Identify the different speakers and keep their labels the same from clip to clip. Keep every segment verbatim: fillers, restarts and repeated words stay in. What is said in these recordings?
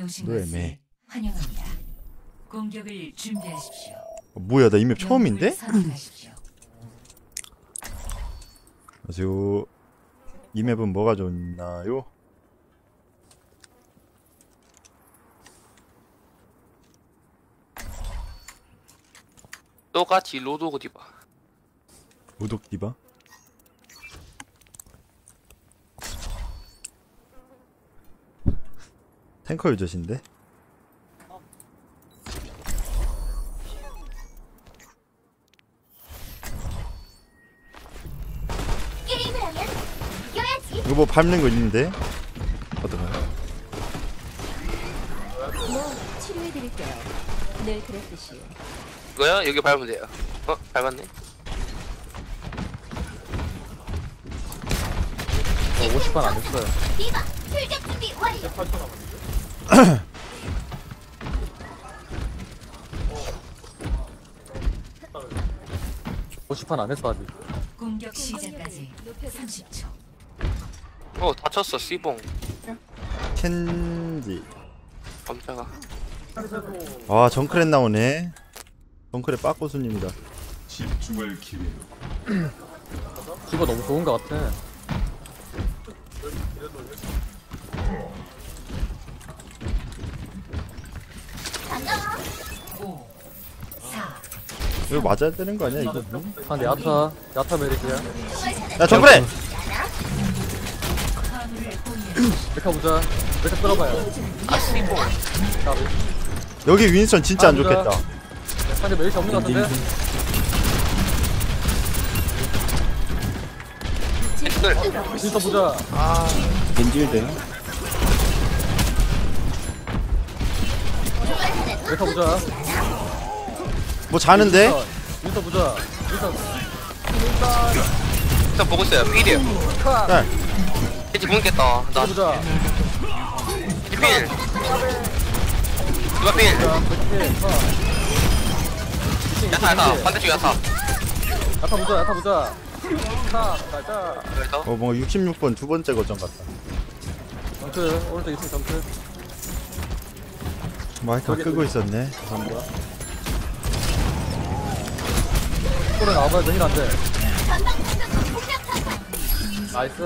Speaker 1: 오신
Speaker 2: 너
Speaker 1: 것을
Speaker 2: 애매해.
Speaker 1: 환영합니다. 공격을 준비하십시오.
Speaker 2: 어, 뭐야 나 이 맵 처음인데?
Speaker 1: 영웅을 선택하십시오.
Speaker 2: 안녕하세요. 이 맵은 뭐가 좋나요?
Speaker 3: 똑같이 로드오그 디바.
Speaker 2: 무독 디바? 탱커 유저신데?
Speaker 4: 게임을 하면 이겨야지.
Speaker 2: 이거 뭐 밟는 거 있는데? 어떡하냐?
Speaker 4: 뭐 치료해드릴게요. 늘 그랬듯이.
Speaker 3: 이거요? 여기 밟으면 돼요. 어? 밟았네.
Speaker 5: 어, 오십 판 안 했어요.
Speaker 4: 디바 출격 준비 완료.
Speaker 5: 오십 판 안 했어 아직.
Speaker 1: 공격 시작까지 삼십 초.
Speaker 3: 어 다쳤어 씨봉.
Speaker 2: 켄지.
Speaker 3: 깜짝아.
Speaker 2: 아 정크렛 나오네. 정크렛 빠꼬수님이다.
Speaker 5: 집어 너무 좋은 것 같아.
Speaker 1: 오, 사,
Speaker 2: 이거 맞아야 되는 거 아니야 이거?
Speaker 5: 아 근데 야타 야타 메릭이야.
Speaker 2: 야 정크렛!
Speaker 1: 화물을 공유하십시오.
Speaker 5: 메카 보자. 메카 끌어봐요.
Speaker 3: 아 씨봉.
Speaker 5: 까비.
Speaker 2: 여기 윈스턴 진짜 안 좋겠다.
Speaker 5: 아 근데 메릭이 없는 것 같은데?
Speaker 3: 엑셀.
Speaker 5: 진짜 보자.
Speaker 6: 겐질되나?
Speaker 5: 메카 보자.
Speaker 2: 뭐 자는데?
Speaker 5: 진짜 보자. 진짜
Speaker 3: 일단 보고 있어요. 필이에요.
Speaker 2: 야,
Speaker 3: 겐지 굶겠다. 나
Speaker 5: 보자.
Speaker 3: 필. 디바 필.
Speaker 5: 자, 메카 컷.
Speaker 3: 야타 야타. 반대쪽 야타.
Speaker 5: 야타 보자. 야타 보자. 타 가자.
Speaker 3: 그래서
Speaker 2: 어 뭔가 육십육 번 두 번째 거점 같다.
Speaker 5: 점프 오른쪽 이층 점프.
Speaker 2: 마이크 끄고 있었네. 감사합니다.
Speaker 5: 소리 나와봐야 되긴 한데. 나이스.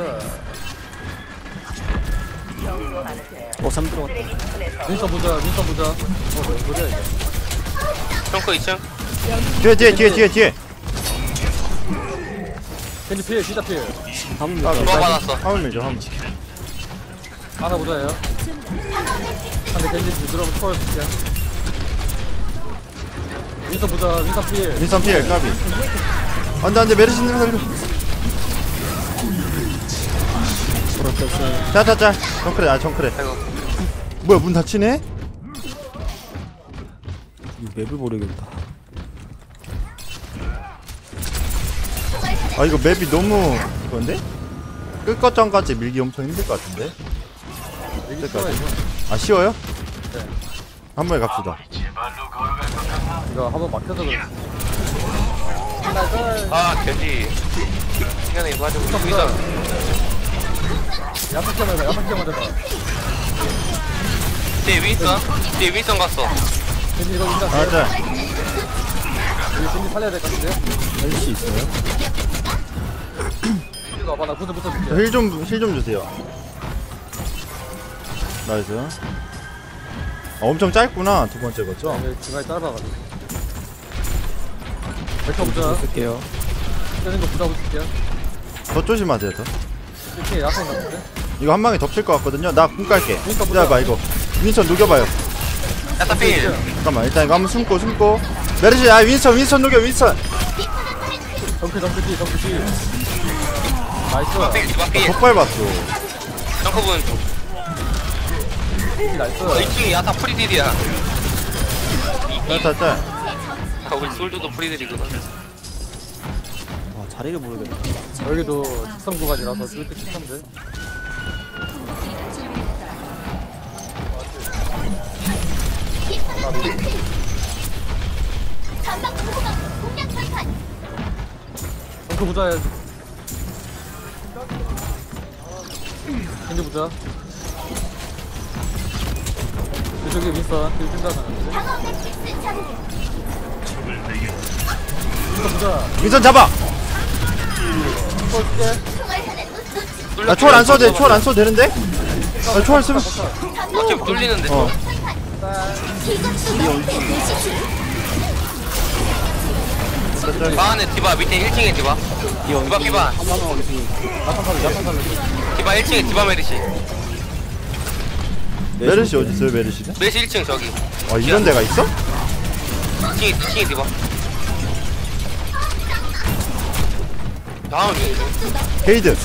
Speaker 6: 어, 삼 들어갔다.
Speaker 5: 윈서 보자. 윈서 보자. 어, 뭐 소리야 이게.
Speaker 3: 트렁크 이 층.
Speaker 2: 뒤에 뒤에 뒤에 뒤에 뒤에.
Speaker 5: 겐지 피해. 진짜 피해.
Speaker 6: 한번
Speaker 2: 아,
Speaker 3: 누가 받았어?
Speaker 2: 화물 밀죠 화물.
Speaker 5: 하나 보자요. 근데 겐지 부드러운 초월 볼게요. 윈서 보자. 윈서 피해.
Speaker 2: 윈스턴 피해 까비. 안돼 안돼 메르신님 살려.
Speaker 6: 돌아쳤어요.
Speaker 2: 자자자 정크렛 아 정크렛.
Speaker 3: 아이고.
Speaker 2: 뭐야 문 닫히네?
Speaker 6: 이 맵을 모르겠다.
Speaker 2: 아 이거 맵이 너무 그건데? 끝거점까지 밀기 엄청 힘들 것 같은데?
Speaker 5: 여기 쉬워 이거.
Speaker 2: 아 쉬워요?
Speaker 5: 네.
Speaker 2: 한 번에 갑시다.
Speaker 5: 이거 한번 막혀서 그래.
Speaker 3: 아 겐지. 시간에 이거 하자고. 여기서
Speaker 5: 야탁 해봐. 야탁 해봐. 해봐.
Speaker 3: 뒤에 윈선. 뒤에 윈선 갔어.
Speaker 5: 겐지 이거 인자.
Speaker 2: 아 자.
Speaker 5: 우리 겐지 살려야 될 것 같은데.
Speaker 6: 할 수 있어요?
Speaker 5: 이거 와봐. 나 구슬 붙어줄게.
Speaker 2: 힐좀 힐 좀 주세요. 나이스. 아, 엄청 짧구나 두 번째 거죠?
Speaker 5: 여기 중간에 짧아가지고. 메카 보자.
Speaker 6: 쓸게요.
Speaker 5: 뜨는 거 보자 볼게요.
Speaker 2: 더 조심하세요 더.
Speaker 5: 이렇게 야탁 같은데.
Speaker 2: 이거 한 방에 덮칠 것 같거든요. 나 궁 깔게.
Speaker 5: 윈스턴 보자.
Speaker 2: 기다려봐 이거. 윈스턴 녹여봐요.
Speaker 3: 야타 필.
Speaker 2: 잠깐만 일단 이거 한번 숨고 숨고. 메르시 아 윈스턴 윈스턴 녹여 윈스턴.
Speaker 5: 덩크 덩크 뒤 덩크 뒤.
Speaker 3: 디바 필.
Speaker 5: 나이스.
Speaker 3: 디바 필.
Speaker 2: 더 밟았어.
Speaker 3: 점프분.
Speaker 5: 나이스.
Speaker 3: 어, 이 층이 야타 프리딜이야.
Speaker 2: 자자자.
Speaker 3: 아, 우리 솔드도 프리딜이구나.
Speaker 6: 아, 자리를 모르겠다.
Speaker 5: 여기도 특성 구간이라서 뚫기 쉽던데.
Speaker 4: 전방 보호막 공략 발판.
Speaker 5: 덩크 보자 해야지. 겐지 보자. 왼쪽에 윈선 딜 준다는
Speaker 4: 방어 매트릭스 자극.
Speaker 5: 보자.
Speaker 2: 윈선 잡아.
Speaker 5: 볼게.
Speaker 4: 총알 하나 놓치.
Speaker 2: 나 초월 안 써도 돼. 초월 안 써도 되는데? 나 초월 쓰면
Speaker 3: 어차피 뚫리는데.
Speaker 2: 어.
Speaker 4: 이것도 너의 대시지.
Speaker 3: 방 안에 디바 밑에 일 층에 디바. 디바 디바.
Speaker 6: 한번 하겠습니다.
Speaker 5: 야탄 살려 야탄 살려.
Speaker 3: 디바 일 층에 디바 메르시.
Speaker 2: 메르시 어디 있어요? 메르시는?
Speaker 3: 메르시 일 층 저기.
Speaker 2: 아 이런 데가 있어?
Speaker 3: 이 층에 이 층에 디바. 다음
Speaker 2: 게이드.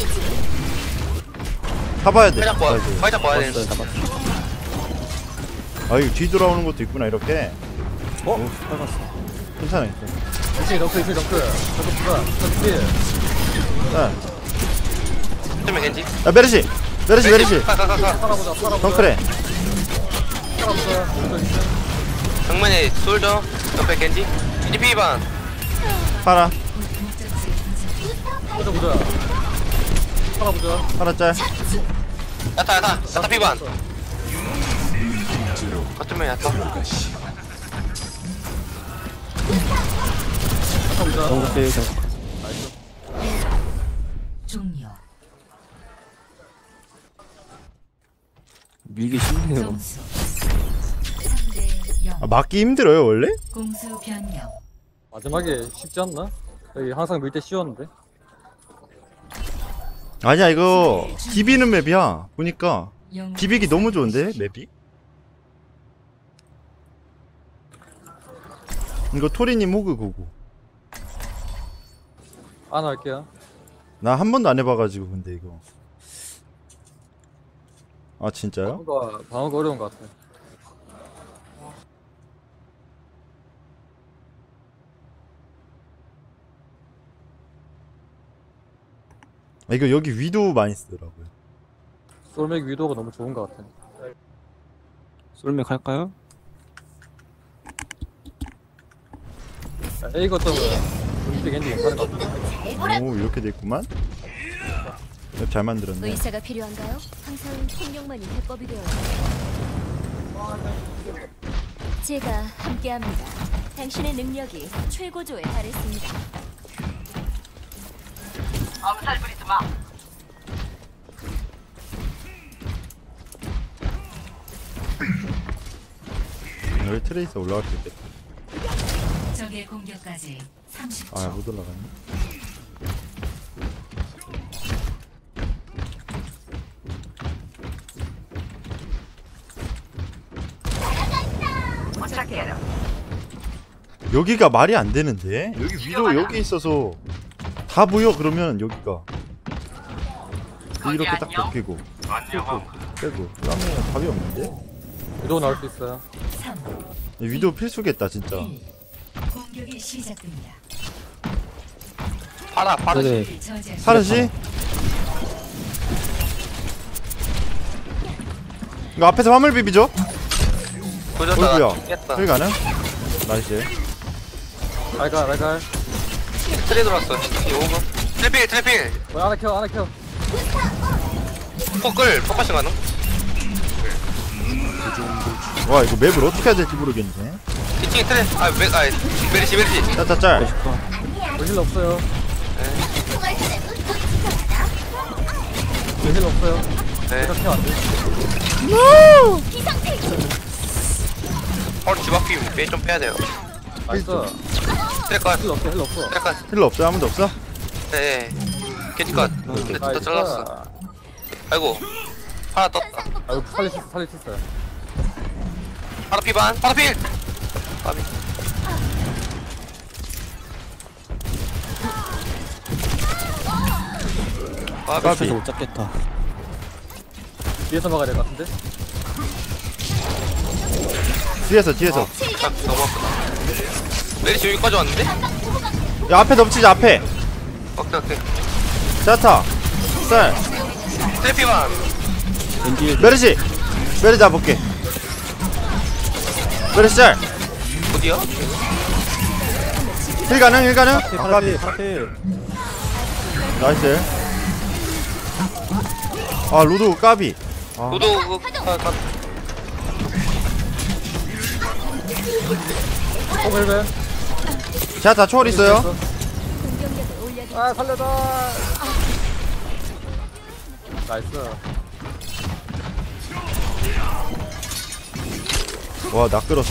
Speaker 2: 타봐야 돼.
Speaker 3: 살짝 봐.
Speaker 2: 아이고.
Speaker 3: 살짝 봐야
Speaker 6: 잡았어요,
Speaker 3: 되는데.
Speaker 6: 잡았어.
Speaker 2: 아 이거 뒤돌아오는 것도 있구나 이렇게.
Speaker 6: 어? 빨갔어.
Speaker 2: 괜찮아 괜찮아.
Speaker 5: 이층에 덩크 이층에 덩크. 덩크 보자. 덩크 딜.
Speaker 2: 야,
Speaker 3: 쯤에 겐지.
Speaker 2: 야 메르시. 메르시 메르시.
Speaker 3: 가가가가.
Speaker 5: 살아보자 살아보자.
Speaker 2: 덩크래.
Speaker 5: 살아보자. 왼쪽 이층.
Speaker 3: 정면에 솔저. 옆에 겐지. 겐지 피반.
Speaker 2: 파라.
Speaker 5: 보자 보자. 살아보자.
Speaker 2: 파라 짤.
Speaker 3: 야타 야타. 야타 피반. 거점에 야타.
Speaker 5: 살아보자.
Speaker 6: 너무 세요, 저.
Speaker 1: 종료.
Speaker 6: 밀기 쉽네요.
Speaker 1: 점수 삼 대 영.
Speaker 2: 아, 맞기 힘들어요 원래?
Speaker 1: 공수 변경.
Speaker 5: 마지막에 쉽지 않나? 여기 항상 밀 때 쉬웠는데.
Speaker 2: 아니야 이거 비비는 맵이야. 보니까
Speaker 1: 영.
Speaker 2: 비비기 너무 좋은데 맵이? 이거 토리님 호그 고고.
Speaker 5: 안 할게요.
Speaker 2: 나 한 번도 안 해봐가지고 근데 이거. 아 진짜요?
Speaker 5: 방어가 방어가 어려운 것 같아.
Speaker 2: 아, 이거 여기 위도 많이 쓰더라고요.
Speaker 5: 솔맥 위도가 너무 좋은 것 같아.
Speaker 6: 솔맥 할까요?
Speaker 5: A 거점은 우리 겐지 괜찮은 것 같아.
Speaker 2: 오 이렇게 돼있구만. 맵 잘 만들었네.
Speaker 4: 의사가 필요한가요? 항상 폭력만이 해법이 되어요. 제가 함께합니다. 당신의 능력이 최고조에 달했습니다.
Speaker 2: 여기 트레이서 올라갈 수 있겠다.
Speaker 1: 적의 공격까지 삼십 초.
Speaker 2: 아 못 올라가네. 여기가 말이 안 되는데? 여기 위도 여기 있어서 다 보여 그러면 여기가 이렇게 딱 벗기고 빼고 빼고 그러면 답이 없는데?
Speaker 5: 위도 나올 수 있어요.
Speaker 1: 삼,
Speaker 2: 위도 필수겠다 진짜.
Speaker 1: 일. 공격이 시작됩니다.
Speaker 3: 파라 파라.
Speaker 6: 네.
Speaker 1: 저지하십시오.
Speaker 2: 파르시? 이거 앞에서 화물 비비죠?
Speaker 3: 보여줬다.
Speaker 2: 어이구야
Speaker 3: 깼다.
Speaker 2: 여기 가능? 나이스.
Speaker 5: 알갈 알갈.
Speaker 3: 트레 들어왔어. 이 오버. 트래필 트래필.
Speaker 5: 어, 하나 켜 하나 켜.
Speaker 3: 포끌 포커싱 가능?
Speaker 2: 와 이거 맵을 어떻게 해야 될지 모르겠네.
Speaker 3: 이 층에 트레. 아 메, 아 메르시 메르시.
Speaker 2: 짜짜짤.
Speaker 5: 뭐 힐 없어요.
Speaker 4: 총알 하나 놓치.
Speaker 5: 뭐 힐 없어요.
Speaker 3: 네.
Speaker 5: 이렇게 안 돼.
Speaker 3: 바로 집 앞이 빼좀 빼야 돼요.
Speaker 5: 나이스.
Speaker 3: 트레 컷.
Speaker 5: 힐 없어 힐 없어.
Speaker 3: 트레 컷.
Speaker 2: 힐러 없어요? 아무도 없어?
Speaker 3: 네. 겐지 컷. 근데 또 잘랐어. 아이고. 하나 떴다.
Speaker 5: 아이고 살릴 수 있어 살릴 수 있어요.
Speaker 3: 파라 피반. 파라 필. 파비. 파비.
Speaker 6: 앞에서 못 잡겠다.
Speaker 5: 뒤에서 막아야 될 것 같은데.
Speaker 2: 뒤에서 뒤에서.
Speaker 3: 딱 넘어갔구나. 메리시 여기까지 왔는데?
Speaker 2: 야 앞에 덮치자 앞에.
Speaker 3: 오케이 오케이.
Speaker 2: 자타. 쌀.
Speaker 3: 트래피반.
Speaker 6: 왠지
Speaker 2: 메르시. 메르시 잡을게. 메르시 짤.
Speaker 3: 어디야?
Speaker 2: 힐 가능 힐 가능?
Speaker 6: 앞에
Speaker 2: 아,
Speaker 6: 파라필
Speaker 2: 까비.
Speaker 6: 파라필.
Speaker 2: 나이스. 아 로드 까비. 아,
Speaker 3: 너도 그거 가- 가-
Speaker 5: 어 벨벤.
Speaker 2: 자, 다 초월 있어요.
Speaker 4: 공격력을 올려드리죠.
Speaker 5: 아 살려줘. 나이스.
Speaker 2: 와, 나 끌었어.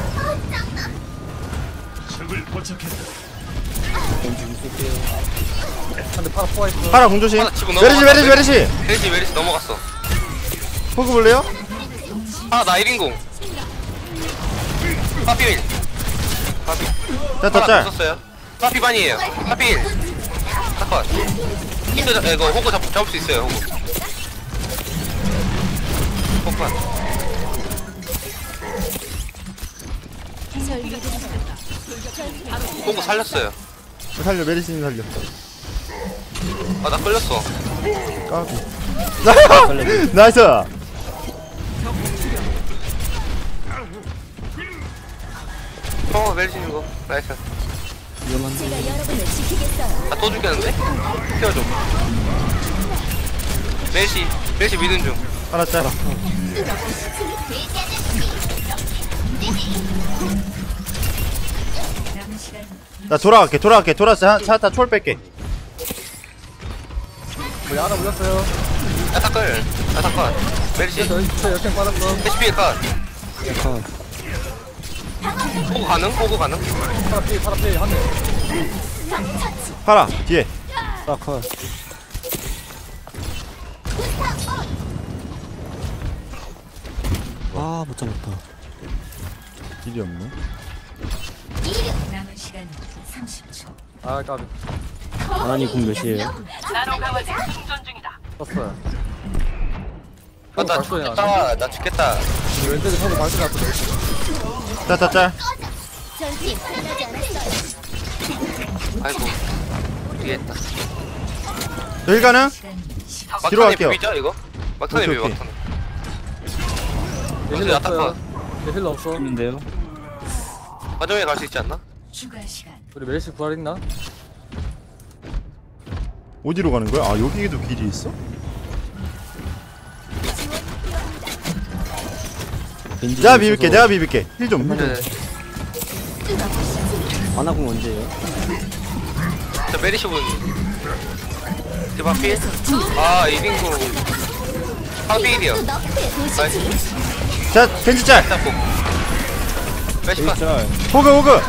Speaker 5: 한대 팔아 포화 있어.
Speaker 2: 파라 공조심.
Speaker 3: 하나 치고
Speaker 2: 메르시,
Speaker 3: 넘어갔다.
Speaker 2: 메르시, 메르시.
Speaker 3: 메리시 메리시 넘어갔어.
Speaker 2: 포그 볼래요?
Speaker 3: 아, 나 일 인공. 파피 일. 파피.
Speaker 2: 자, 더
Speaker 3: 하나
Speaker 2: 짤.
Speaker 3: 썼어요. 파피 반이에요. 파피 일. 잠깐. 힌트 잡, 이거 호구 잡, 잡을 수 있어요, 호구. 호구 반.
Speaker 4: 절 믿으세요.
Speaker 3: 호구 살렸어요.
Speaker 2: 살려, 메르시님 살려.
Speaker 3: 아, 나 끌렸어.
Speaker 2: 까비. 나이스.
Speaker 3: 어, 멜리시는 거. 나이스.
Speaker 6: 위험한데.
Speaker 4: 제가 여러분을 지키겠어요.
Speaker 3: 아, 또 죽겠는데? 태워줘. 멜시, 멜시 믿음 중.
Speaker 2: 파라 짤.
Speaker 1: 남은 시간
Speaker 2: 나 돌아갈게, 돌아갈게, 돌아서 차타 초월 뺄게.
Speaker 5: 우리 하나 물렸어요.
Speaker 3: 야타클. 야타클. 멜시.
Speaker 5: 저 저 역행 빠졌어.
Speaker 3: 에이치피 컷.
Speaker 6: 약간
Speaker 3: 호구 가능? 호구 가능?
Speaker 5: 파라 피 파라 피 한 대.
Speaker 2: 파라 뒤에.
Speaker 6: 싹할. 아, 못 잡았다.
Speaker 2: 길이 없네.
Speaker 1: 남은 시간 삼십 초.
Speaker 5: 아 까비.
Speaker 6: 하나님 궁 몇이에요?
Speaker 5: 떴어요.
Speaker 3: 아, 나
Speaker 5: 발소리 나네.
Speaker 3: 죽겠다. 나 죽겠다.
Speaker 5: 왼쪽에 서고 발소리 났거든.
Speaker 2: 차타 짤.
Speaker 4: 전투 끝나지 않았어요.
Speaker 3: 아이고. 뒤에 있다.
Speaker 2: 여기 가는?
Speaker 1: 시간 십
Speaker 2: 뒤로
Speaker 3: 막탄에
Speaker 2: 갈게요.
Speaker 3: 비비죠, 이거? 막탄에
Speaker 2: 오케이,
Speaker 3: 비비,
Speaker 2: 오케이.
Speaker 3: 막탄에.
Speaker 5: 얘
Speaker 3: 어디
Speaker 5: 힐러
Speaker 3: 야타
Speaker 5: 없어요.
Speaker 3: 컷.
Speaker 5: 얘 힐러 없어.
Speaker 6: 있는데요?
Speaker 3: 마정에 갈 수 있지 않나?
Speaker 1: 추가 시간
Speaker 5: 우리 멜시 부활 있나?
Speaker 2: 어디로 가는 거야? 아, 여기에도 길이 있어?
Speaker 6: 벤지
Speaker 2: 내가 비빌게, 내가 비빌게. 힐 좀. 힐 좀.
Speaker 3: 네.
Speaker 6: 아나궁 언제예요?
Speaker 3: 저 메리시 분. 디바 필? 아, 이빙구. 파비일이요.
Speaker 4: 너프의 도시지.
Speaker 2: 자, 겐지 짤.
Speaker 3: 잡고. 메시 컷.
Speaker 6: 짤.
Speaker 2: 호그, 호그.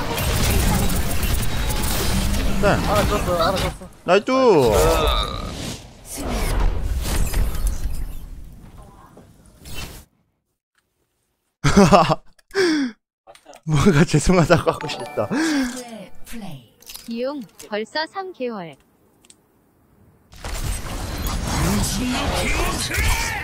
Speaker 2: 짤.
Speaker 5: 하나 떴어. 하나 떴어.
Speaker 2: 나이스.
Speaker 3: 어,
Speaker 2: 뭔가 죄송하다고 하고 싶다.
Speaker 1: 최고의 플레이.
Speaker 4: 비용 벌써 삼 개월.